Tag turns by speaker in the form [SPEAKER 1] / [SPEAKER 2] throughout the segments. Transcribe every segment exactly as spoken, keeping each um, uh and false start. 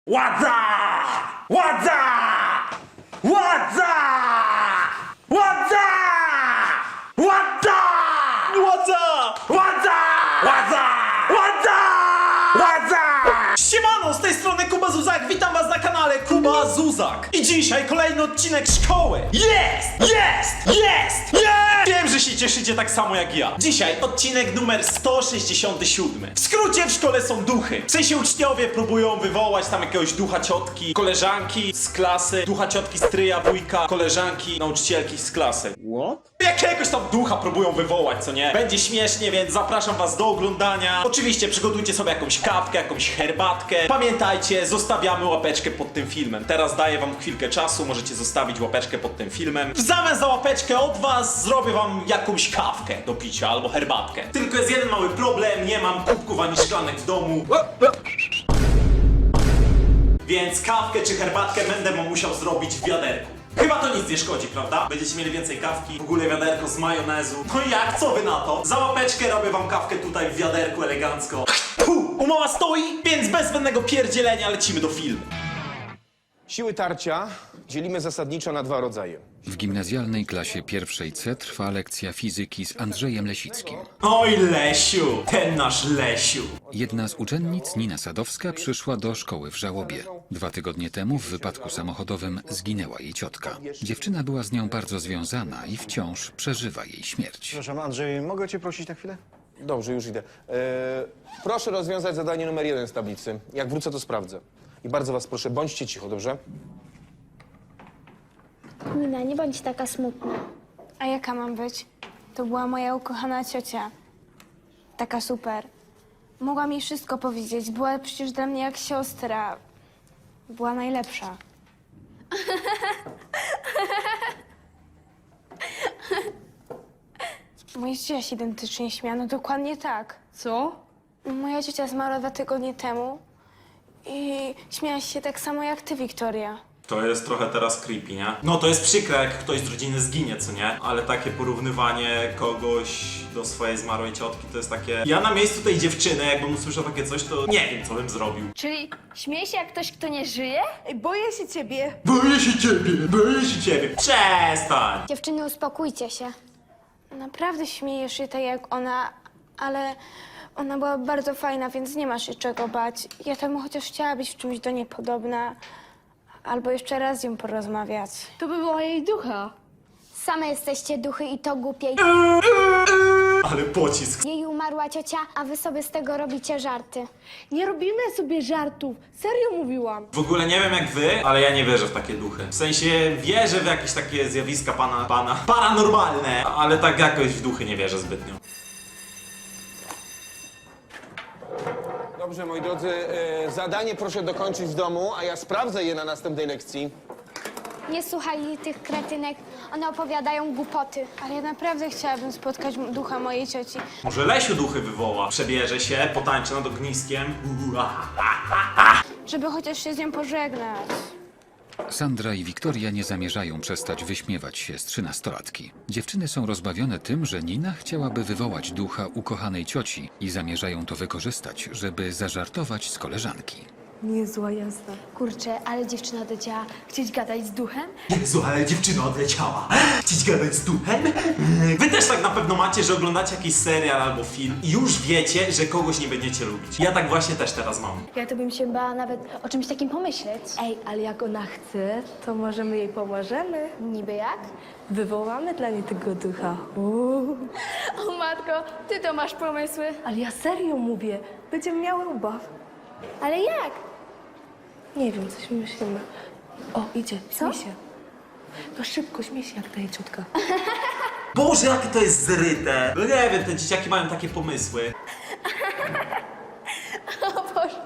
[SPEAKER 1] Władza! Władza! Władza! Władza! Władza! Władza! Władza! Władza! Władza! Władza!
[SPEAKER 2] Siemano, z tej strony Kuba Zuzak, witam was na kanale Kuba Zuzak. I dzisiaj kolejny odcinek szkoły. Jest! Jest! Jest! Jest! Wiem, że się cieszycie tak samo jak ja. Dzisiaj odcinek numer sto sześćdziesiąty siódmy. W skrócie w szkole są duchy. W sensie uczniowie próbują wywołać tam jakiegoś ducha ciotki, koleżanki z klasy, ducha ciotki stryja, wujka, koleżanki, nauczycielki z klasy.
[SPEAKER 1] What?
[SPEAKER 2] Jakiegoś tam ducha próbują wywołać, co nie? Będzie śmiesznie, więc zapraszam was do oglądania. Oczywiście przygotujcie sobie jakąś kawkę, jakąś herbatkę. Pamiętajcie, zostawiamy łapeczkę pod tym filmem. Teraz daję wam chwilkę czasu, możecie zostawić łapeczkę pod tym filmem. W zamian za łapeczkę od was zrobię wam jakąś kawkę do picia albo herbatkę. Tylko jest jeden mały problem, nie mam kubków ani szklanek w domu. Więc kawkę czy herbatkę będę wam musiał zrobić w wiaderku. Chyba to nic nie szkodzi, prawda? Będziecie mieli więcej kawki, w ogóle wiaderko z majonezu. No i jak? Co wy na to? Za łapeczkę robię wam kawkę tutaj w wiaderku elegancko. Puh, umowa stoi, więc bez zbędnego pierdzielenia lecimy do filmu.
[SPEAKER 3] Siły tarcia dzielimy zasadniczo na dwa rodzaje.
[SPEAKER 4] W gimnazjalnej klasie pierwszej C trwa lekcja fizyki z Andrzejem Lesickim.
[SPEAKER 2] Oj Lesiu, ten nasz Lesiu.
[SPEAKER 4] Jedna z uczennic, Nina Sadowska, przyszła do szkoły w żałobie. Dwa tygodnie temu w wypadku samochodowym zginęła jej ciotka. Dziewczyna była z nią bardzo związana i wciąż przeżywa jej śmierć.
[SPEAKER 5] Przepraszam, Andrzej, mogę cię prosić na chwilę?
[SPEAKER 3] Dobrze, już idę. Eee, proszę rozwiązać zadanie numer jeden z tablicy. Jak wrócę, to sprawdzę. I bardzo was proszę, bądźcie cicho, dobrze?
[SPEAKER 6] Nina, nie bądź taka smutna.
[SPEAKER 7] A jaka mam być? To była moja ukochana ciocia. Taka super. Mogła mi wszystko powiedzieć. Była przecież dla mnie jak siostra. Była najlepsza. Moja ciocia się identycznie śmiała. No dokładnie tak.
[SPEAKER 8] Co?
[SPEAKER 7] Moja ciocia zmarła dwa tygodnie temu i śmiała się tak samo jak ty, Wiktoria.
[SPEAKER 2] To jest trochę teraz creepy, nie? No to jest przykre, jak ktoś z rodziny zginie, co nie? Ale takie porównywanie kogoś do swojej zmarłej ciotki to jest takie... Ja na miejscu tej dziewczyny, jakbym usłyszał takie coś, to nie wiem, co bym zrobił.
[SPEAKER 6] Czyli śmieje się jak ktoś, kto nie żyje?
[SPEAKER 8] Ej, boję się ciebie.
[SPEAKER 2] Boję się ciebie, boję się ciebie. Przestań!
[SPEAKER 6] Dziewczyny, uspokójcie się.
[SPEAKER 7] Naprawdę śmiejesz się tak jak ona, ale ona była bardzo fajna, więc nie masz się czego bać. Ja tam chociaż chciała być w czymś do niej podobna, albo jeszcze raz z nią porozmawiać.
[SPEAKER 8] To by była jej ducha.
[SPEAKER 6] Same jesteście duchy i to głupiej.
[SPEAKER 2] Ale pocisk.
[SPEAKER 6] Jej umarła ciocia, a wy sobie z tego robicie żarty.
[SPEAKER 8] Nie robimy sobie żartów. Serio mówiłam.
[SPEAKER 2] W ogóle nie wiem jak wy, ale ja nie wierzę w takie duchy. W sensie wierzę w jakieś takie zjawiska pana, pana paranormalne, ale tak jakoś w duchy nie wierzę zbytnio.
[SPEAKER 3] Dobrze, moi drodzy, e, zadanie proszę dokończyć w domu, a ja sprawdzę je na następnej lekcji.
[SPEAKER 6] Nie słuchaj tych kretynek, one opowiadają głupoty.
[SPEAKER 7] Ale ja naprawdę chciałabym spotkać m- ducha mojej cioci.
[SPEAKER 2] Może Lesiu duchy wywoła, przebierze się, potańczy nad ogniskiem. Uhu, aha, aha.
[SPEAKER 7] Żeby chociaż się z nią pożegnać.
[SPEAKER 4] Sandra i Wiktoria nie zamierzają przestać wyśmiewać się z trzynastolatki. Dziewczyny są rozbawione tym, że Nina chciałaby wywołać ducha ukochanej cioci i zamierzają to wykorzystać, żeby zażartować z koleżanki.
[SPEAKER 8] Niezła jazda.
[SPEAKER 6] Kurczę, ale dziewczyna dociała. Chcieć gadać z duchem?
[SPEAKER 2] Jezu, ale dziewczyna odleciała. Chcieć gadać z duchem? Wy też tak na pewno macie, że oglądacie jakiś serial albo film i już wiecie, że kogoś nie będziecie lubić. Ja tak właśnie też teraz mam.
[SPEAKER 6] Ja to bym się bała nawet o czymś takim pomyśleć.
[SPEAKER 8] Ej, ale jak ona chce, to może my jej pomożemy.
[SPEAKER 6] Niby jak?
[SPEAKER 8] Wywołamy dla niej tego ducha. Uuu.
[SPEAKER 6] O matko, ty to masz pomysły.
[SPEAKER 8] Ale ja serio mówię. Będziemy miały ubaw.
[SPEAKER 6] Ale jak?
[SPEAKER 8] Nie wiem, coś myślimy. O, idzie, śmiej się. No szybko, śmiej się jak ta jej ciotka.
[SPEAKER 2] Boże, jakie to jest zryte. No nie wiem, te dzieciaki mają takie pomysły.
[SPEAKER 6] O Boże.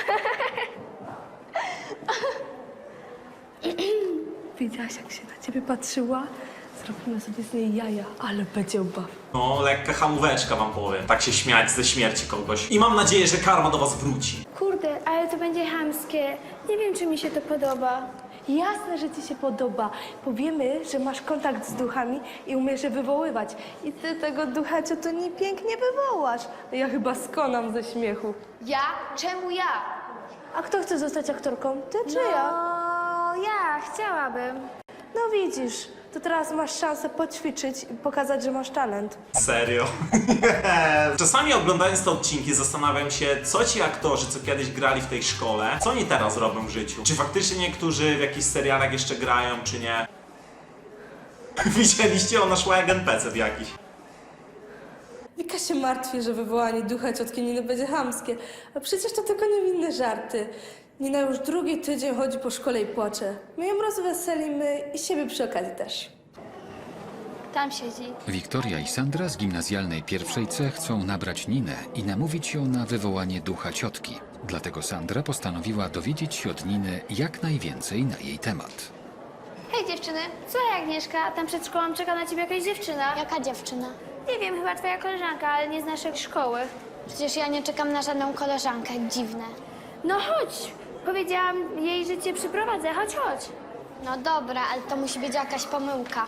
[SPEAKER 8] Widziałaś, jak się na ciebie patrzyła? Zrobimy sobie z niej jaja, ale będzie ubaw.
[SPEAKER 2] No, lekka hamóweczka wam powiem. Tak się śmiać ze śmierci kogoś. I mam nadzieję, że karma do was wróci.
[SPEAKER 6] Kurde, ale to będzie chamskie. Nie wiem, czy mi się to podoba.
[SPEAKER 8] Jasne, że ci się podoba. Powiemy, że masz kontakt z duchami i umiesz je wywoływać. I ty tego ducha ciotoni pięknie wywołasz. Ja chyba skonam ze śmiechu.
[SPEAKER 6] Ja? Czemu ja?
[SPEAKER 8] A kto chce zostać aktorką? Ty czy ja?
[SPEAKER 6] No, ja chciałabym.
[SPEAKER 8] No widzisz, to teraz masz szansę poćwiczyć i pokazać, że masz talent.
[SPEAKER 2] Serio? Czasami oglądając te odcinki zastanawiam się, co ci aktorzy, co kiedyś grali w tej szkole, co oni teraz robią w życiu. Czy faktycznie niektórzy w jakichś serialach jeszcze grają, czy nie? Widzieliście? Ona szła jak en pe ce jakiś.
[SPEAKER 8] Wika się martwi, że wywołanie ducha ciotki Niny będzie chamskie, a przecież to tylko niewinne żarty. Nina już drugi tydzień chodzi po szkole i płacze. My ją rozweselimy i siebie przy okazji też.
[SPEAKER 6] Tam siedzi.
[SPEAKER 4] Wiktoria i Sandra z gimnazjalnej pierwszej C chcą nabrać Ninę i namówić ją na wywołanie ducha ciotki. Dlatego Sandra postanowiła dowiedzieć się od Niny jak najwięcej na jej temat.
[SPEAKER 6] Hej dziewczyny, słuchaj Agnieszka, tam przed szkołą czeka na ciebie jakaś dziewczyna. Jaka dziewczyna? Nie wiem, chyba twoja koleżanka, ale nie z naszej szkoły. Przecież ja nie czekam na żadną koleżankę, dziwne. No chodź, powiedziałam jej, że cię przyprowadzę, chodź, chodź. No dobra, ale to musi być jakaś pomyłka.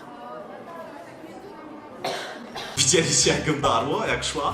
[SPEAKER 2] Widzieliście jak ją darło, jak szła?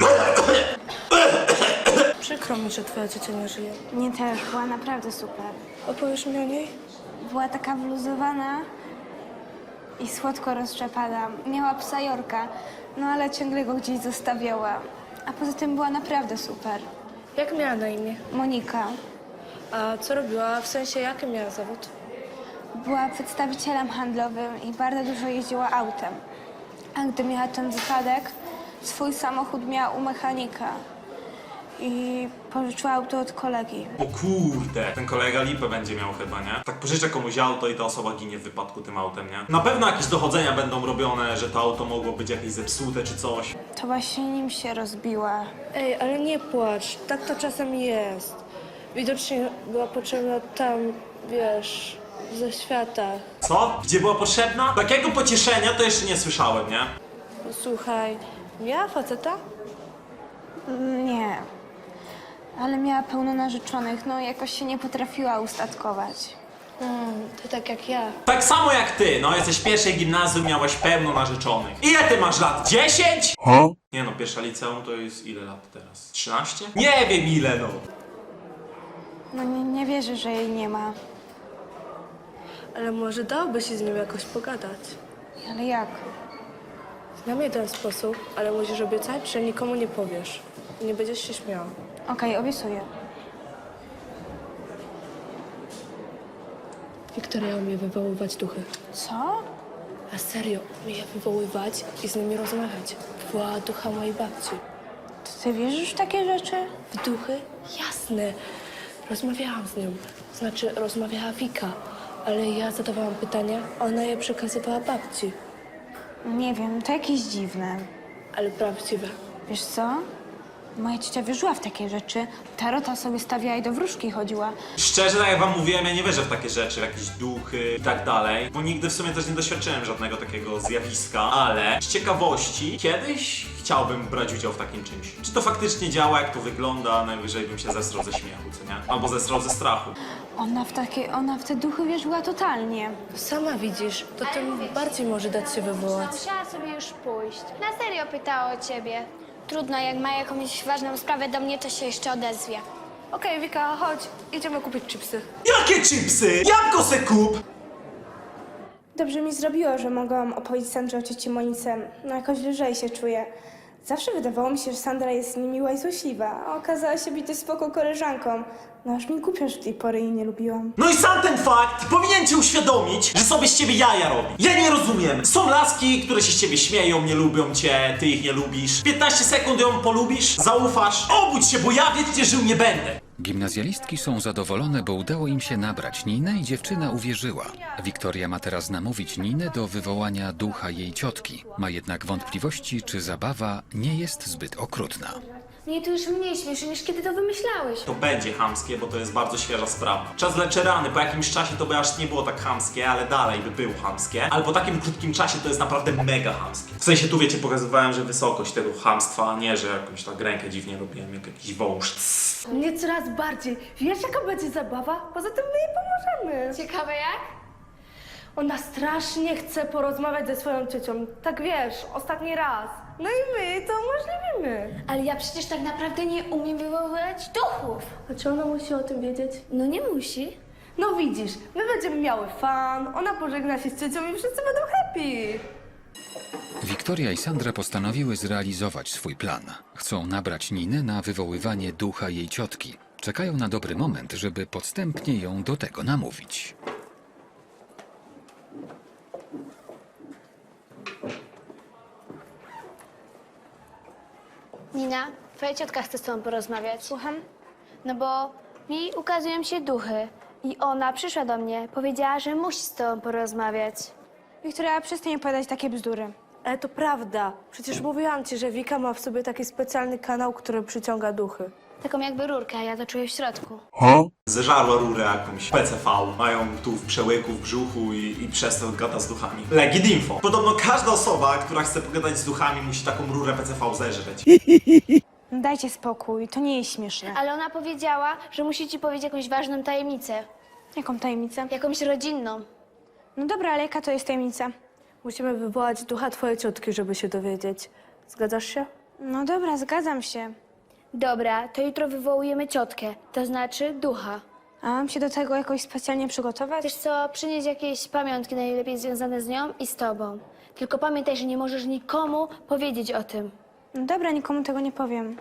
[SPEAKER 8] Przykro mi, że twoja ciocia nie żyje.
[SPEAKER 7] Nie też, była naprawdę super.
[SPEAKER 8] Opowiesz mi o niej?
[SPEAKER 7] Była taka wluzowana i słodko roztrzepana. Miała psa Jorka, no ale ciągle go gdzieś zostawiała. A poza tym była naprawdę super.
[SPEAKER 8] Jak miała na imię?
[SPEAKER 7] Monika
[SPEAKER 8] A co robiła? W sensie, jaki miała zawód?
[SPEAKER 7] była przedstawicielem handlowym i bardzo dużo jeździła autem. A gdy miała ten wypadek, swój samochód miała u mechanika i pożyczyła auto od kolegi.
[SPEAKER 2] O kurde, ten kolega lipę będzie miał chyba, nie? Tak pożyczę komuś auto i ta osoba ginie w wypadku tym autem, nie? Na pewno jakieś dochodzenia będą robione, że to auto mogło być jakieś zepsute czy coś.
[SPEAKER 7] To właśnie nim się rozbiła.
[SPEAKER 8] Ej, ale nie płacz, tak to czasem jest. Widocznie była potrzebna tam, wiesz, ze świata.
[SPEAKER 2] Co? Gdzie była potrzebna? Takiego pocieszenia to jeszcze nie słyszałem, nie?
[SPEAKER 8] Słuchaj, miała faceta?
[SPEAKER 7] Nie, ale miała pełno narzeczonych, no jakoś się nie potrafiła ustatkować.
[SPEAKER 8] Mm, to tak jak ja.
[SPEAKER 2] Tak samo jak ty, no jesteś w pierwszej gimnazjum, miałeś pełno narzeczonych. Ile ty masz lat? dziesięć? Nie no, pierwsza liceum to jest ile lat teraz? trzynaście? Nie wiem ile no.
[SPEAKER 7] No nie, nie wierzę, że jej nie ma.
[SPEAKER 8] Ale może dałoby się z nią jakoś pogadać.
[SPEAKER 7] Ale jak?
[SPEAKER 8] Znam jeden sposób, ale musisz obiecać, że nikomu nie powiesz. I nie będziesz się śmiał.
[SPEAKER 7] Okej, obiecuję.
[SPEAKER 8] Wiktoria umie wywoływać duchy.
[SPEAKER 7] Co?
[SPEAKER 8] A serio, umie je wywoływać i z nimi rozmawiać. Wywołała ducha mojej babci.
[SPEAKER 7] To ty wierzysz w takie rzeczy?
[SPEAKER 8] W duchy? Jasne. Rozmawiałam z nią. Znaczy, rozmawiała Wika. Ale ja zadawałam pytania, a ona je przekazywała babci.
[SPEAKER 7] Nie wiem, to jakieś dziwne.
[SPEAKER 8] Ale prawdziwe.
[SPEAKER 7] Wiesz co? Moja ciocia wierzyła w takie rzeczy. Tarota sobie stawiała i do wróżki chodziła.
[SPEAKER 2] Szczerze, tak jak wam mówiłem, ja nie wierzę w takie rzeczy, w jakieś duchy i tak dalej, bo nigdy w sumie też nie doświadczyłem żadnego takiego zjawiska, ale z ciekawości kiedyś chciałbym brać udział w takim czymś. Czy to faktycznie działa, jak to wygląda, najwyżej bym się zesrał ze śmiechu, co nie? Albo zesrał ze strachu.
[SPEAKER 7] Ona w takie, ona w te duchy wierzyła totalnie.
[SPEAKER 8] Sama widzisz, to
[SPEAKER 6] Ale
[SPEAKER 8] tym
[SPEAKER 6] mówię ci,
[SPEAKER 8] bardziej może dać się wywołać.
[SPEAKER 6] Musiała sobie już pójść. Na serio pytała o ciebie. Trudno, jak ma jakąś ważną sprawę do mnie, to się jeszcze odezwie.
[SPEAKER 8] Okej, Wika, chodź, idziemy kupić chipsy.
[SPEAKER 2] Jakie chipsy? Jabłko se kup!
[SPEAKER 9] Dobrze mi zrobiło, że mogłam opowiedzieć Sandrze o cioci Monice. No jakoś lżej się czuję. Zawsze wydawało mi się, że Sandra jest niemiła i złośliwa, a okazała się być dość spoko koleżanką. No aż mi głupio, że do tej pory jej nie lubiłam.
[SPEAKER 2] No i sam ten fakt powinien cię uświadomić, że sobie z ciebie jaja robi. Ja nie rozumiem. Są laski, które się z ciebie śmieją, nie lubią cię, ty ich nie lubisz. piętnaście sekund ją polubisz, zaufasz. Obudź się, bo ja wiecznie żył nie będę.
[SPEAKER 4] Gimnazjalistki są zadowolone, bo udało im się nabrać Ninę i dziewczyna uwierzyła. Wiktoria ma teraz namówić Ninę do wywołania ducha jej ciotki. Ma jednak wątpliwości, czy zabawa nie jest zbyt okrutna.
[SPEAKER 6] Mnie to już mniej śmieszy, niż kiedy to wymyślałeś.
[SPEAKER 2] To będzie chamskie, bo to jest bardzo świeża sprawa. Czas leczy rany, po jakimś czasie to by aż nie było tak chamskie, ale dalej by było chamskie. Ale po takim krótkim czasie to jest naprawdę mega chamskie. W sensie tu wiecie, pokazywałem, że wysokość tego chamstwa, a nie, że jakąś tak rękę dziwnie robiłem, jak jakiś wąż.
[SPEAKER 8] Nie coraz bardziej. Wiesz, jaka będzie zabawa? Poza tym my jej pomożemy.
[SPEAKER 6] Ciekawe jak?
[SPEAKER 8] Ona strasznie chce porozmawiać ze swoją ciocią. Tak wiesz, ostatni raz. No i my to umożliwimy.
[SPEAKER 6] Ale ja przecież tak naprawdę nie umiem wywoływać duchów.
[SPEAKER 8] A czy ona musi o tym wiedzieć?
[SPEAKER 6] No nie musi.
[SPEAKER 8] No widzisz, my będziemy miały fan, ona pożegna się z ciocią i wszyscy będą happy.
[SPEAKER 4] Wiktoria i Sandra postanowiły zrealizować swój plan. Chcą nabrać Ninę na wywoływanie ducha jej ciotki. Czekają na dobry moment, żeby podstępnie ją do tego namówić.
[SPEAKER 6] Nina, twoja ciotka chce z tobą porozmawiać.
[SPEAKER 7] Słucham?
[SPEAKER 6] No bo mi ukazują się duchy. I ona przyszła do mnie, powiedziała, że musi z tobą porozmawiać.
[SPEAKER 7] Wiktoria, przestań opowiadać takie bzdury.
[SPEAKER 8] Ale to prawda. Przecież mówiłam ci, że Wika ma w sobie taki specjalny kanał, który przyciąga duchy.
[SPEAKER 6] Taką jakby rurkę, a ja to czuję w środku.
[SPEAKER 2] Zeżarła rurę jakąś P C V. Mają tu w przełyku, w brzuchu i, i przez to gada z duchami. Legit info. Podobno każda osoba, która chce pogadać z duchami, musi taką rurę P C V zeżreć.
[SPEAKER 7] No dajcie spokój, to nie jest śmieszne.
[SPEAKER 6] Ale ona powiedziała, że musi ci powiedzieć jakąś ważną tajemnicę.
[SPEAKER 7] Jaką tajemnicę?
[SPEAKER 6] Jakąś rodzinną.
[SPEAKER 7] No dobra, ale jaka to jest tajemnica?
[SPEAKER 8] Musimy wywołać ducha twojej ciotki, żeby się dowiedzieć. Zgadzasz się?
[SPEAKER 7] No dobra, zgadzam się.
[SPEAKER 6] Dobra, to jutro wywołujemy ciotkę, to znaczy ducha.
[SPEAKER 7] A mam się do tego jakoś specjalnie przygotować?
[SPEAKER 6] Wiesz co, przynieś jakieś pamiątki najlepiej związane z nią i z tobą. Tylko pamiętaj, że nie możesz nikomu powiedzieć o tym.
[SPEAKER 7] No dobra, nikomu tego nie powiem.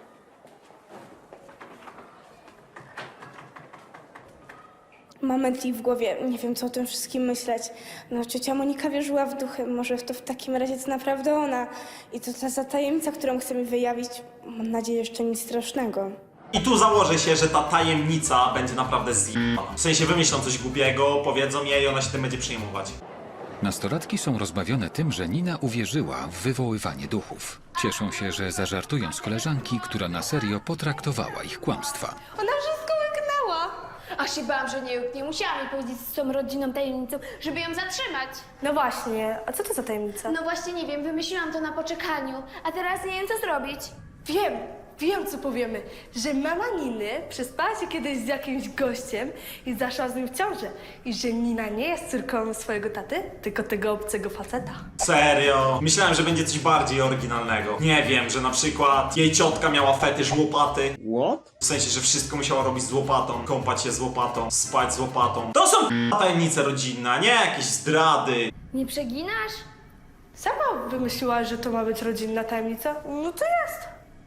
[SPEAKER 9] Moment i w głowie, nie wiem co o tym wszystkim myśleć. No, ciocia Monika wierzyła w duchy, może to w takim razie to naprawdę ona. I to ta za tajemnica, którą chce mi wyjawić, mam nadzieję, jeszcze nic strasznego.
[SPEAKER 2] I tu założę się, że ta tajemnica będzie naprawdę zjebana. W sensie wymyślą coś głupiego, powiedzą jej i ona się tym będzie przejmować.
[SPEAKER 4] Nastolatki są rozbawione tym, że Nina uwierzyła w wywoływanie duchów. Cieszą się, że zażartują z koleżanki, która na serio potraktowała ich kłamstwa.
[SPEAKER 8] Ona wszystko łyknęła.
[SPEAKER 6] Aż się bałam, że nie, nie musiałam jej powiedzieć z tą rodzinną tajemnicą, żeby ją zatrzymać.
[SPEAKER 8] No właśnie, a co to za tajemnica?
[SPEAKER 6] No właśnie nie wiem, wymyśliłam to na poczekaniu, a teraz nie wiem co zrobić.
[SPEAKER 8] Wiem, wiem co powiemy, że mama Niny przespała się kiedyś z jakimś gościem i zaszła z nim w ciążę. I że Nina nie jest córką swojego taty, tylko tego obcego faceta.
[SPEAKER 2] Serio? Myślałem, że będzie coś bardziej oryginalnego. Nie wiem, że na przykład jej ciotka miała fetysz łopaty.
[SPEAKER 1] What?
[SPEAKER 2] W sensie, że wszystko musiała robić z łopatą, kąpać się z łopatą, spać z łopatą. To są tajemnice rodzinne, a nie jakieś zdrady.
[SPEAKER 6] Nie przeginasz?
[SPEAKER 8] Sama wymyśliłaś, że to ma być rodzinna tajemnica? No to jest.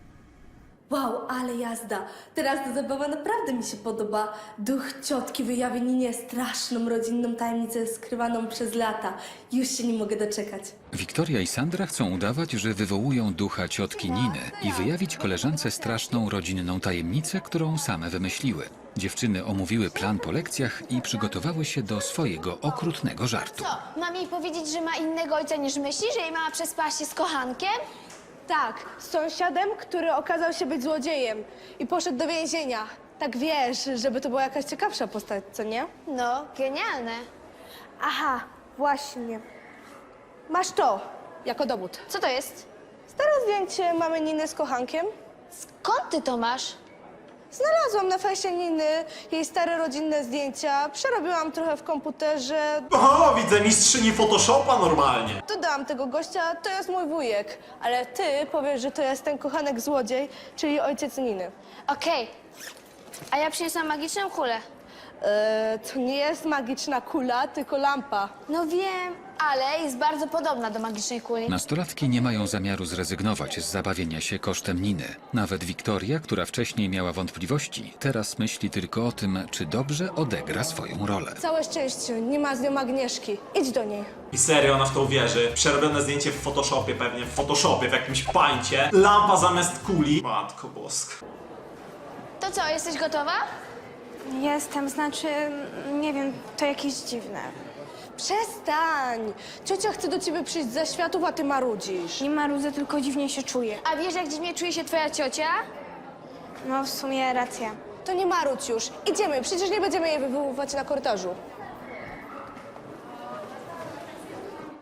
[SPEAKER 8] Wow, ale jazda. Teraz ta zabawa naprawdę mi się podoba. Duch ciotki wyjawi Ninie straszną rodzinną tajemnicę skrywaną przez lata. Już się nie mogę doczekać.
[SPEAKER 4] Wiktoria i Sandra chcą udawać, że wywołują ducha ciotki Niny i wyjawić koleżance straszną rodzinną tajemnicę, którą same wymyśliły. Dziewczyny omówiły plan po lekcjach i przygotowały się do swojego okrutnego żartu.
[SPEAKER 6] Co, mam jej powiedzieć, że ma innego ojca niż myśli, że jej mama przespała się z kochankiem?
[SPEAKER 8] Tak, z sąsiadem, który okazał się być złodziejem i poszedł do więzienia. Tak wiesz, żeby to była jakaś ciekawsza postać, co nie?
[SPEAKER 6] No, genialne.
[SPEAKER 8] Aha, właśnie. Masz to, jako dowód.
[SPEAKER 6] Co to jest?
[SPEAKER 8] Stare zdjęcie mamy Niny z kochankiem.
[SPEAKER 6] Skąd ty to masz?
[SPEAKER 8] Znalazłam na fejsie Niny jej stare rodzinne zdjęcia, przerobiłam trochę w komputerze,
[SPEAKER 2] O, widzę mistrzyni Photoshopa normalnie.
[SPEAKER 8] dodałam tego gościa, to jest mój wujek. Ale ty powiesz, że to jest ten kochanek złodziej, czyli ojciec Niny.
[SPEAKER 6] Okej. A ja przyniosłam magiczną kulę.
[SPEAKER 8] Eee, to nie jest magiczna kula, tylko lampa.
[SPEAKER 6] No wiem, ale jest bardzo podobna do magicznej kuli.
[SPEAKER 4] Nastolatki nie mają zamiaru zrezygnować z zabawienia się kosztem Niny. Nawet Wiktoria, która wcześniej miała wątpliwości, teraz myśli tylko o tym, czy dobrze odegra swoją rolę.
[SPEAKER 8] Całe szczęście, nie ma z nią Agnieszki. Idź do niej.
[SPEAKER 2] I serio, ona w to uwierzy. Przerobione zdjęcie w Photoshopie pewnie, w Photoshopie, w jakimś pańcie. Lampa zamiast kuli. Matko boska.
[SPEAKER 6] To co, jesteś gotowa?
[SPEAKER 7] Jestem, znaczy, nie wiem, to jakieś dziwne.
[SPEAKER 8] Przestań! Ciocia chce do ciebie przyjść ze światów, a ty marudzisz.
[SPEAKER 7] Nie marudzę, tylko dziwnie się czuję.
[SPEAKER 6] A wiesz, jak dziwnie czuje się twoja ciocia?
[SPEAKER 7] No w sumie racja.
[SPEAKER 8] To nie marudź już. Idziemy, przecież nie będziemy jej wywoływać na korytarzu.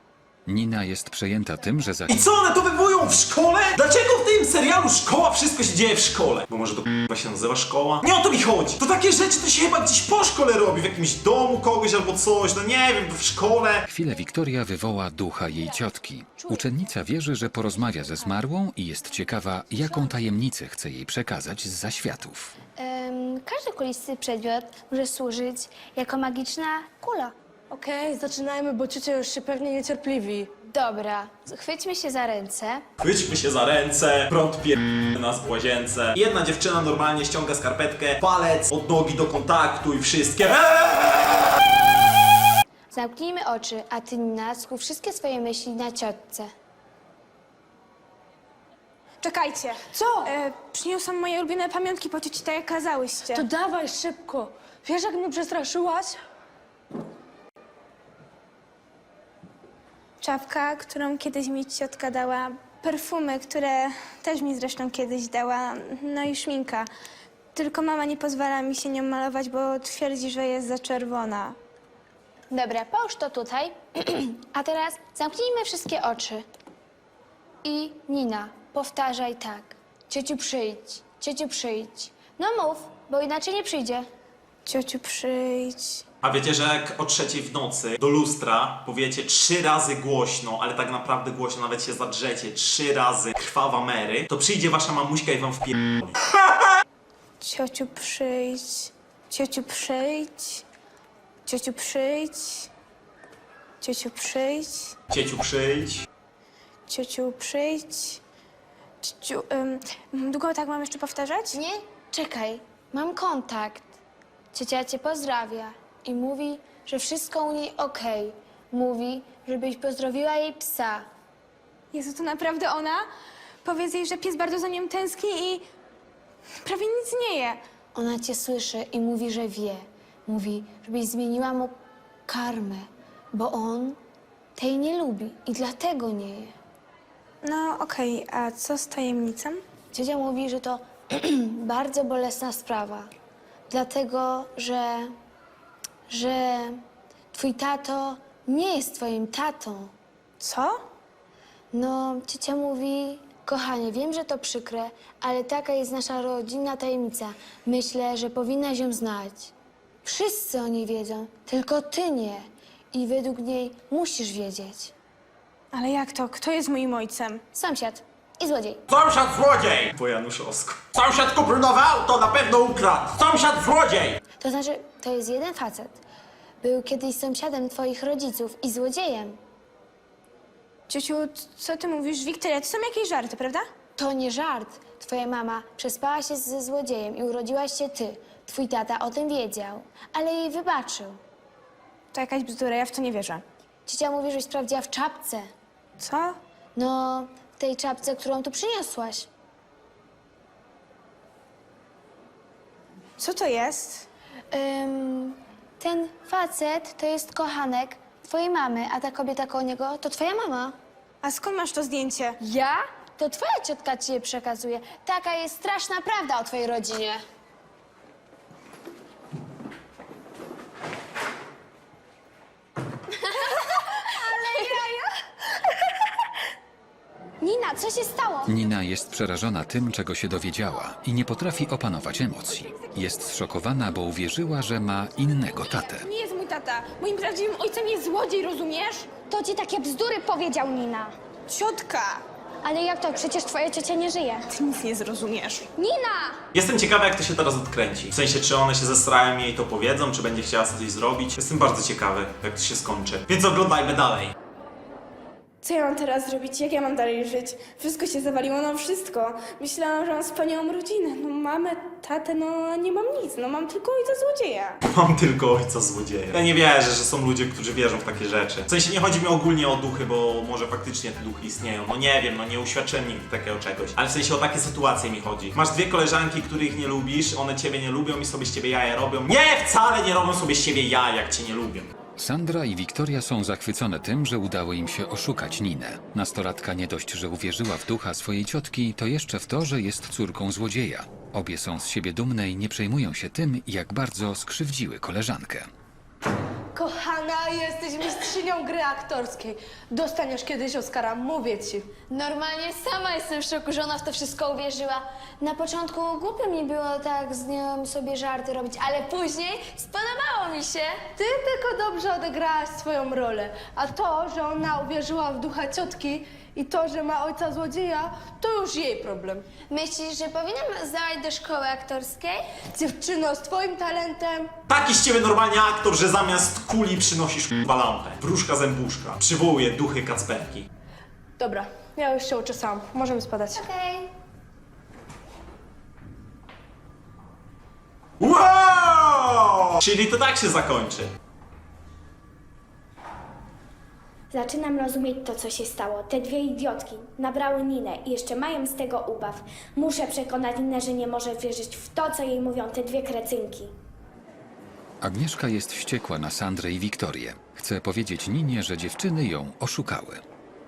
[SPEAKER 4] Nina jest przejęta tym, że za...
[SPEAKER 2] I co one to wywołują w szkole? Dlaczego w tym serialu szkoła wszystko się dzieje w szkole? Bo może to k***a się nazywa szkoła? Nie o to mi chodzi! To takie rzeczy to się chyba gdzieś po szkole robi, w jakimś domu kogoś albo coś, no nie wiem, w szkole.
[SPEAKER 4] chwilę Wiktoria wywoła ducha jej ciotki. Uczennica wierzy, że porozmawia ze zmarłą i jest ciekawa, jaką tajemnicę chce jej przekazać z zaświatów.
[SPEAKER 6] Ym, każdy kulisty przedmiot może służyć jako magiczna kula.
[SPEAKER 8] Okej, zaczynajmy, bo ciocia już się pewnie niecierpliwi.
[SPEAKER 6] Dobra, chwyćmy się za ręce.
[SPEAKER 2] Chwyćmy się za ręce, prąd pier... nas w łazience. Jedna dziewczyna normalnie ściąga skarpetkę, palec od nogi do kontaktu i wszystkie.
[SPEAKER 6] Zamknijmy oczy, a ty, Nina, skup wszystkie swoje myśli na ciotce.
[SPEAKER 9] Czekajcie.
[SPEAKER 8] Co?
[SPEAKER 9] E, przyniosłam moje ulubione pamiątki po cioci, tak jak kazałyście.
[SPEAKER 8] To dawaj szybko. Wiesz, jak mnie przestraszyłaś?
[SPEAKER 9] Czapka, którą kiedyś mi ciotka dała, perfumy, które też mi zresztą kiedyś dała, no i szminka. Tylko mama nie pozwala mi się nią malować, bo twierdzi, że jest za czerwona.
[SPEAKER 6] Dobra, połóż to tutaj. A teraz zamknijmy wszystkie oczy. I Nina, powtarzaj tak. Ciociu, przyjdź. Ciociu, przyjdź. No mów, bo inaczej nie przyjdzie.
[SPEAKER 9] Ciociu, przyjdź.
[SPEAKER 2] A wiecie, że jak o trzeciej w nocy do lustra powiecie trzy razy głośno, ale tak naprawdę głośno, nawet się zadrzecie trzy razy krwawa Mary, to przyjdzie wasza mamuśka i wam wpierdoli.
[SPEAKER 9] Ciociu, przyjdź. Ciociu, przyjdź. Ciociu, przyjdź. Ciociu, przyjdź.
[SPEAKER 2] Cieciu, przyjdź.
[SPEAKER 9] Ciociu, przyjdź. Ciociu, ym, długo tak mam jeszcze powtarzać?
[SPEAKER 6] Nie? Czekaj, mam kontakt. Ciocia cię pozdrawia i mówi, że wszystko u niej okej. Mówi, żebyś pozdrowiła jej psa.
[SPEAKER 9] Jezu, to naprawdę ona? Powiedz jej, że pies bardzo za nią tęskni i prawie nic nie je.
[SPEAKER 6] Ona cię słyszy i mówi, że wie. Mówi, żebyś zmieniła mu karmę, bo on tej nie lubi i dlatego nie je.
[SPEAKER 9] No okej, a co z tajemnicą?
[SPEAKER 6] Ciocia mówi, że to bardzo bolesna sprawa, dlatego że, że twój tato nie jest twoim tatą.
[SPEAKER 9] Co?
[SPEAKER 6] No, ciocia mówi, kochanie, wiem, że to przykre, ale taka jest nasza rodzinna tajemnica. Myślę, że powinnaś ją znać. Wszyscy o niej wiedzą, tylko ty nie. I według niej musisz wiedzieć.
[SPEAKER 9] Ale jak to? Kto jest moim ojcem?
[SPEAKER 6] Sąsiad i złodziej.
[SPEAKER 2] Sąsiad złodziej! Po Januszowsku. Sąsiad kupił nowe auto, na pewno ukradł. Sąsiad złodziej!
[SPEAKER 6] To znaczy, to jest jeden facet. Był kiedyś sąsiadem twoich rodziców i złodziejem.
[SPEAKER 9] Ciociu, co ty mówisz? Wiktoria, to są jakieś żarty, prawda?
[SPEAKER 6] To nie żart. Twoja mama przespała się ze złodziejem i urodziłaś się ty. Twój tata o tym wiedział, ale jej wybaczył.
[SPEAKER 9] To jakaś bzdura, ja w to nie wierzę.
[SPEAKER 6] Ciocia mówi, żeś sprawdziła w czapce.
[SPEAKER 9] Co?
[SPEAKER 6] No, w tej czapce, którą tu przyniosłaś.
[SPEAKER 9] Co to jest?
[SPEAKER 6] Ym, ten facet to jest kochanek twojej mamy, a ta kobieta koło niego to twoja mama.
[SPEAKER 9] A skąd masz to zdjęcie?
[SPEAKER 6] Ja? To twoja ciotka ci je przekazuje. Taka jest straszna prawda o twojej rodzinie. Nina, co się stało?
[SPEAKER 4] Nina jest przerażona tym, czego się dowiedziała i nie potrafi opanować emocji. Jest zszokowana, bo uwierzyła, że ma innego tatę.
[SPEAKER 9] Nie jest mój tata. Moim prawdziwym ojcem jest złodziej, rozumiesz?
[SPEAKER 6] To ci takie bzdury powiedział, Nina.
[SPEAKER 9] Ciotka!
[SPEAKER 6] Ale jak to? Przecież twoja ciocia nie żyje.
[SPEAKER 9] Ty nic nie zrozumiesz.
[SPEAKER 6] Nina!
[SPEAKER 2] Jestem ciekawy, jak to się teraz odkręci. W sensie, czy one się zestrają i jej to powiedzą, czy będzie chciała coś zrobić. Jestem bardzo ciekawy, jak to się skończy. Więc oglądajmy dalej.
[SPEAKER 9] Co ja mam teraz zrobić? Jak ja mam dalej żyć? Wszystko się zawaliło, no wszystko. Myślałam, że mam wspaniałą rodzinę. No mamę, tatę, no a nie mam nic. No mam tylko ojca złodzieja.
[SPEAKER 2] Mam tylko ojca złodzieja. Ja nie wierzę, że są ludzie, którzy wierzą w takie rzeczy. W sensie nie chodzi mi ogólnie o duchy, bo może faktycznie te duchy istnieją. No nie wiem, no nie uświadczyłem nigdy takiego czegoś. Ale w sensie o takie sytuacje mi chodzi. Masz dwie koleżanki, których nie lubisz, one ciebie nie lubią i sobie z ciebie jaja robią. Nie, wcale nie robią sobie z ciebie jaja, jak cię nie lubią.
[SPEAKER 4] Sandra i Wiktoria są zachwycone tym, że udało im się oszukać Ninę. Nastolatka nie dość, że uwierzyła w ducha swojej ciotki, to jeszcze w to, że jest córką złodzieja. Obie są z siebie dumne i nie przejmują się tym, jak bardzo skrzywdziły koleżankę.
[SPEAKER 8] Kochana, jesteś mistrzynią gry aktorskiej. Dostaniesz kiedyś Oscara, mówię ci.
[SPEAKER 6] Normalnie sama jestem w szoku, że ona w to wszystko uwierzyła. Na początku głupio mi było tak z nią sobie żarty robić, ale później spodobało mi się.
[SPEAKER 8] Ty tylko dobrze odegrałaś swoją rolę. A to, że ona uwierzyła w ducha ciotki i to, że ma ojca złodzieja, to już jej problem.
[SPEAKER 6] Myślisz, że powinnam zdawać do szkoły aktorskiej?
[SPEAKER 8] Dziewczyno, z twoim talentem
[SPEAKER 2] Taki z ciebie normalnie aktor, że zamiast kuli przynosisz k***a lampę. Wróżka zębuszka. Przywołuje duchy Kacperki.
[SPEAKER 8] Dobra, ja już się uczesałam. Możemy spadać.
[SPEAKER 6] Okej.
[SPEAKER 2] Wow! Czyli to tak się zakończy.
[SPEAKER 10] Zaczynam rozumieć to, co się stało. Te dwie idiotki nabrały Ninę i jeszcze mają z tego ubaw. Muszę przekonać Ninę, że nie może wierzyć w to, co jej mówią te dwie krecynki.
[SPEAKER 4] Agnieszka jest wściekła na Sandrę i Wiktorię. Chce powiedzieć Ninie, że dziewczyny ją oszukały.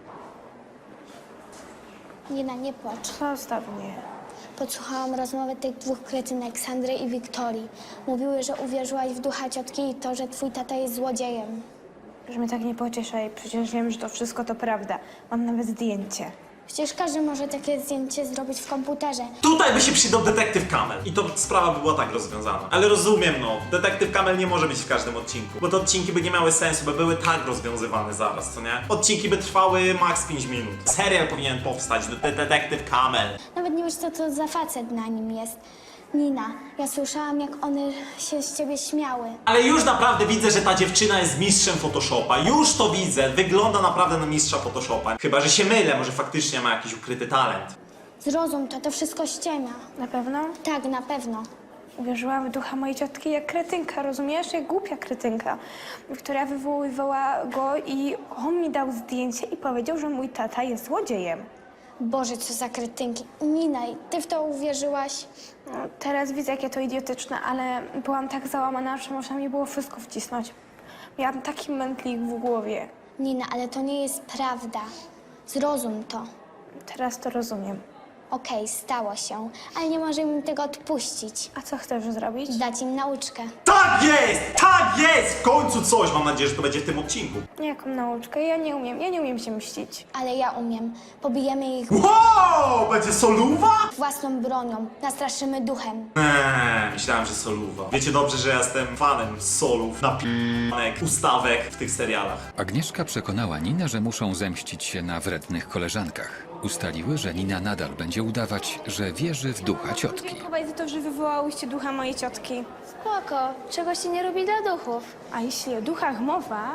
[SPEAKER 6] Nina, nie płacz.
[SPEAKER 7] Zostaw mnie.
[SPEAKER 6] Podsłuchałam rozmowę tych dwóch kretynek, Sandry i Wiktorii. Mówiły, że uwierzyłaś w ducha ciotki i to, że twój tata jest złodziejem.
[SPEAKER 7] Że mnie tak nie pocieszaj, przecież wiem, że to wszystko to prawda. Mam nawet zdjęcie.
[SPEAKER 6] Przecież każdy może takie zdjęcie zrobić w komputerze.
[SPEAKER 2] Tutaj by się przydał detektyw Kamel i to sprawa by była tak rozwiązana. Ale rozumiem, no, detektyw Kamel nie może być w każdym odcinku, bo te odcinki by nie miały sensu, by były tak rozwiązywane zaraz, co nie? Odcinki by trwały maks pięć minut. Serial powinien powstać, de detektyw Kamel.
[SPEAKER 6] Nawet nie wiesz, co to za facet na nim jest. Nina, ja słyszałam, jak one się z ciebie śmiały.
[SPEAKER 2] Ale już naprawdę widzę, że ta dziewczyna jest mistrzem Photoshopa. Już to widzę. Wygląda naprawdę na mistrza Photoshopa. Chyba, że się mylę, może faktycznie ma jakiś ukryty talent.
[SPEAKER 6] Zrozum to, to wszystko ściema.
[SPEAKER 7] Na pewno?
[SPEAKER 6] Tak, na pewno.
[SPEAKER 7] Uwierzyłam w ducha mojej ciotki jak kretynka, rozumiesz? Jak głupia kretynka, która wywoływała go i on mi dał zdjęcie i powiedział, że mój tata jest złodziejem.
[SPEAKER 6] Boże, co za kretynki. Nina, i ty w to uwierzyłaś?
[SPEAKER 7] No, teraz widzę, jakie to idiotyczne, ale byłam tak załamana, że można mi było wszystko wcisnąć. Miałam taki mętlik w głowie.
[SPEAKER 6] Nina, ale to nie jest prawda. Zrozum to.
[SPEAKER 7] Teraz to rozumiem.
[SPEAKER 6] Okej, stało się, ale nie możemy im tego odpuścić.
[SPEAKER 7] A co chcesz zrobić?
[SPEAKER 6] Dać im nauczkę.
[SPEAKER 2] Tak jest! Tak jest! W końcu coś! Mam nadzieję, że to będzie w tym odcinku.
[SPEAKER 7] Jaką nauczkę? Ja nie umiem, ja nie umiem się mścić.
[SPEAKER 6] Ale ja umiem. Pobijemy ich
[SPEAKER 2] Wow! Będzie soluwa?
[SPEAKER 6] własną bronią. Nastraszymy duchem.
[SPEAKER 2] Eee, myślałem, że soluwa. Wiecie dobrze, że ja jestem fanem solów, napinek, ustawek w tych serialach.
[SPEAKER 4] Agnieszka przekonała Ninę, że muszą zemścić się na wrednych koleżankach. Ustaliły, że Nina nadal będzie udawać, że wierzy w ducha ciotki.
[SPEAKER 7] Dziękuję za to, że wywołałyście ducha mojej ciotki.
[SPEAKER 6] Spoko, czego się nie robi dla duchów.
[SPEAKER 7] A jeśli o duchach mowa,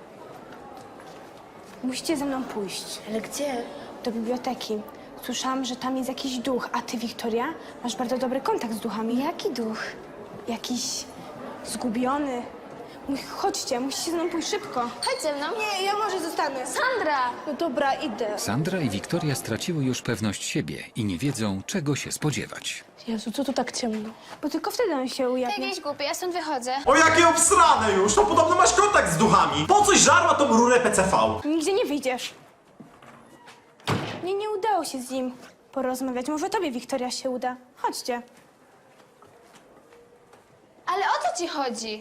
[SPEAKER 7] musicie ze mną pójść.
[SPEAKER 6] Ale gdzie?
[SPEAKER 7] Do biblioteki. Słyszałam, że tam jest jakiś duch, a ty, Wiktoria, masz bardzo dobry kontakt z duchami.
[SPEAKER 6] Jaki duch?
[SPEAKER 7] Jakiś zgubiony. Mój- Chodźcie, musicie ze mną pójść szybko.
[SPEAKER 6] Chodź ze mną.
[SPEAKER 8] Nie, ja może zostanę.
[SPEAKER 6] Sandra!
[SPEAKER 8] No dobra, idę.
[SPEAKER 4] Sandra i Wiktoria straciły już pewność siebie i nie wiedzą, czego się spodziewać.
[SPEAKER 8] Jezu, co tu tak ciemno?
[SPEAKER 7] Bo tylko wtedy on się
[SPEAKER 6] Ty
[SPEAKER 7] ujawni.
[SPEAKER 6] jakieś głupie, ja stąd wychodzę.
[SPEAKER 2] O, jakie obsrane już! To podobno masz kontakt z duchami. Po coś żarła tą rurę P C V?
[SPEAKER 7] Nigdzie nie wyjdziesz. Mnie nie udało się z nim porozmawiać. Może tobie, Wiktoria, się uda. Chodźcie.
[SPEAKER 6] Ale o co ci chodzi?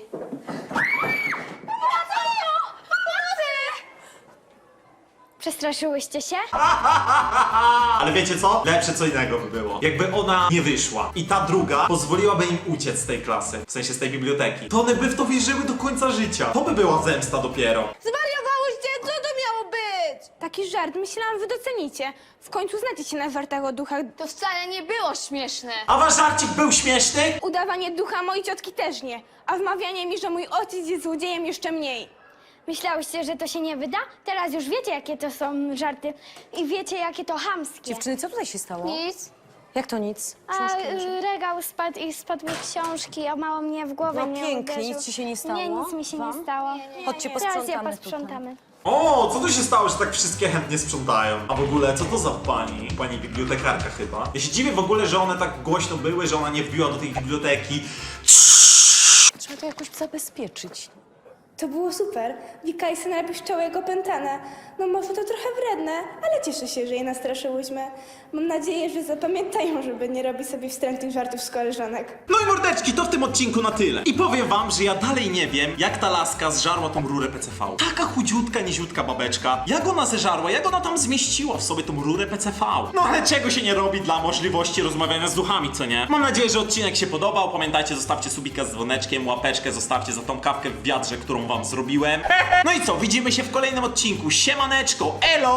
[SPEAKER 6] Przestraszyłyście się?
[SPEAKER 2] Ale wiecie co? Lepsze co innego by było. Jakby ona nie wyszła i ta druga pozwoliłaby im uciec z tej klasy, w sensie z tej biblioteki, to one by w to wierzyły do końca życia. To by była zemsta dopiero.
[SPEAKER 8] Zwariowałyście? Co to miało być?
[SPEAKER 7] Taki żart. Myślałam, wy docenicie. W końcu znacie się na żartach o duchach.
[SPEAKER 6] To wcale nie było śmieszne.
[SPEAKER 2] A wasz żarcik był śmieszny?
[SPEAKER 7] Udawanie ducha mojej ciotki też nie. A wmawianie mi, że mój ojciec jest złodziejem, jeszcze mniej.
[SPEAKER 6] Myślałyście, że to się nie wyda? Teraz już wiecie, jakie to są żarty i wiecie, jakie to chamskie.
[SPEAKER 11] Dziewczyny, co tutaj się stało?
[SPEAKER 6] Nic.
[SPEAKER 11] Jak to nic?
[SPEAKER 6] A
[SPEAKER 11] Książki leżą.
[SPEAKER 6] y, regał spadł i spadły książki, a mało mnie w głowę
[SPEAKER 11] No
[SPEAKER 6] mnie
[SPEAKER 11] pięknie,
[SPEAKER 6] uderzył.
[SPEAKER 11] nic ci się nie stało?
[SPEAKER 6] Nie, nic mi się
[SPEAKER 11] Wam?
[SPEAKER 6] nie stało.
[SPEAKER 11] Chodźcie,
[SPEAKER 6] Teraz je
[SPEAKER 11] posprzątamy
[SPEAKER 6] posprzątamy.
[SPEAKER 2] O, co tu się stało, że tak wszystkie chętnie sprzątają? A w ogóle, co to za pani? Pani bibliotekarka chyba. Ja się dziwię w ogóle, że one tak głośno były, że ona nie wbiła do tej biblioteki.
[SPEAKER 11] Trzeba to jakoś zabezpieczyć.
[SPEAKER 9] To było super. Wika i Syna piszczały jak opętane. No może to trochę wredne, ale cieszę się, że je nastraszyłyśmy. Mam nadzieję, że zapamiętają, żeby nie robić sobie wstrętnych żartów z koleżanek.
[SPEAKER 2] No i mordeczki, to w tym odcinku na tyle. I powiem wam, że ja dalej nie wiem, jak ta laska zżarła tą rurę P C V. Taka chudziutka, niziutka babeczka. Jak ona zeżarła, jak ona tam zmieściła w sobie tą rurę P C V. No ale czego się nie robi dla możliwości rozmawiania z duchami, co nie? Mam nadzieję, że odcinek się podobał. Pamiętajcie, zostawcie subika z dzwoneczkiem, łapeczkę, zostawcie za tą kawkę w wiadrze, którą wam zrobiłem. No i co, widzimy się w kolejnym odcinku. Siemaneczko, elo!